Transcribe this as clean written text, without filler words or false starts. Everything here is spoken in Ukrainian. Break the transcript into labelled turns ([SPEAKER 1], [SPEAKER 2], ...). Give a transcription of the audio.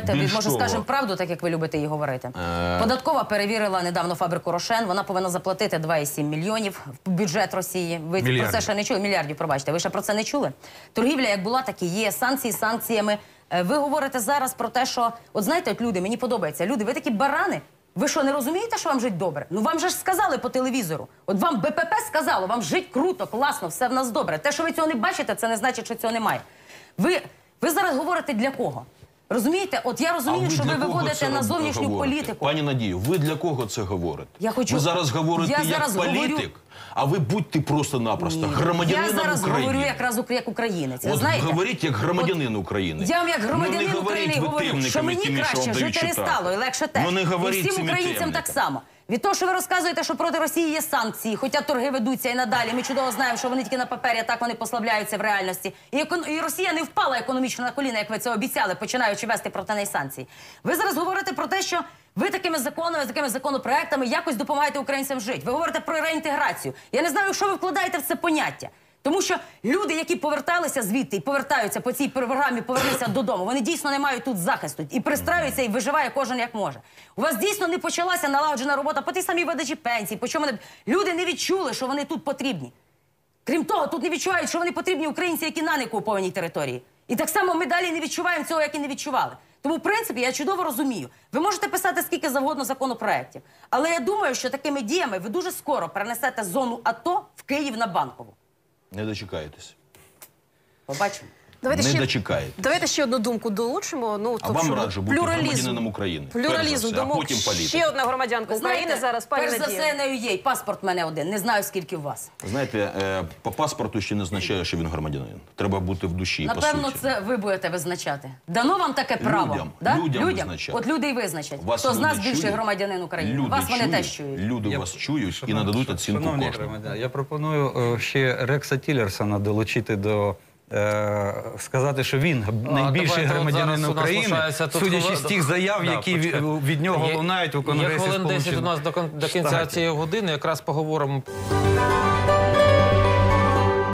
[SPEAKER 1] давайте, може, скажемо правду, так як ви любите її говорити. Податкова перевірила недавно фабрику «Рошен». Вона повинна заплатити 2,7 мільйонів в бюджет Росії. Ви про це ще не чули? Мільярдів, пробачте. Ви ще про це не чули? Торгівля як була, так і є. Санкції санкціями. Ви говорите зараз про те, що... От знаєте, от люди, мені подобається. Люди, ви такі барани. Ви що, не розумієте, що вам жить добре? Ну вам же ж сказали по телевізору. От вам БПП сказало, вам жить круто, класно, все в нас добре. Те, що ви цього не бачите, це не значить, що цього немає. Ви зараз говорите для кого? Розумієте? От я розумію, що ви виводите на зовнішню політику.
[SPEAKER 2] Пані Надію, ви для кого це говорите?
[SPEAKER 1] Ви
[SPEAKER 2] зараз говорите як політик, а ви будьте просто-напросто громадянином України.
[SPEAKER 1] Я зараз говорю якраз як українець.
[SPEAKER 2] От говоріть як громадянин України.
[SPEAKER 1] Я вам як громадянин України говорю, що мені краще жити не стало і легше теж. І всім українцям так само. Від того, що ви розказуєте, що проти Росії є санкції, хоча торги ведуться і надалі, ми чудово знаємо, що вони тільки на папері, а так вони послабляються в реальності. І Росія не впала економічно на коліна, як ви це обіцяли, починаючи вести проти неї санкції. Ви зараз говорите про те, що ви такими законами, такими законопроектами якось допомагаєте українцям жити. Ви говорите про реінтеграцію. Я не знаю, що ви вкладаєте в це поняття. Тому що люди, які поверталися звідти і повертаються по цій програмі «Повернися додому», вони дійсно не мають тут захисту. І пристраюються, і виживає кожен як може. У вас дійсно не почалася налагоджена робота по тій самій видачі пенсій. Люди не відчули, що вони тут потрібні. Крім того, тут не відчувають, що вони потрібні українці, які на неокупованій території. І так само ми далі не відчуваємо цього, як і не відчували. Тому, в принципі, я чудово розумію. Ви можете писати скільки завгодно законопроєктів. Але я думаю, що такими діями ви дуже скоро перенесете зону АТО в Київ на Банкову.
[SPEAKER 2] Не дочекаєтесь.
[SPEAKER 1] Побачимо.
[SPEAKER 2] Не дочекаєтесь.
[SPEAKER 3] Давайте ще одну думку долучимо.
[SPEAKER 2] А вам раджу бути громадянином України.
[SPEAKER 3] Плюралізм думок. Ще одна громадянка України зараз, пані Надія.
[SPEAKER 1] Перш за все, не є. Паспорт в мене один. Не знаю, скільки у вас.
[SPEAKER 2] Знаєте, по паспорту ще не означає, що він громадянин. Треба бути в душі, по суті.
[SPEAKER 1] Напевно, це ви будете визначати. Дано вам таке право?
[SPEAKER 2] Людям визначати.
[SPEAKER 1] От люди і визначать. Хто з нас більший громадянин України? Вас вони теж чують.
[SPEAKER 2] Люди вас чують і нададуть оцінку кожному.
[SPEAKER 4] Я пропоную ще Рекса Тіллерсона долучити до... сказати, що він найбільший громадянин України, судячи з тих заяв, які від нього лунають у Конгресі Сполучених Штатів.
[SPEAKER 5] Є хвилин 10 у нас до кінця цієї години, якраз поговоримо.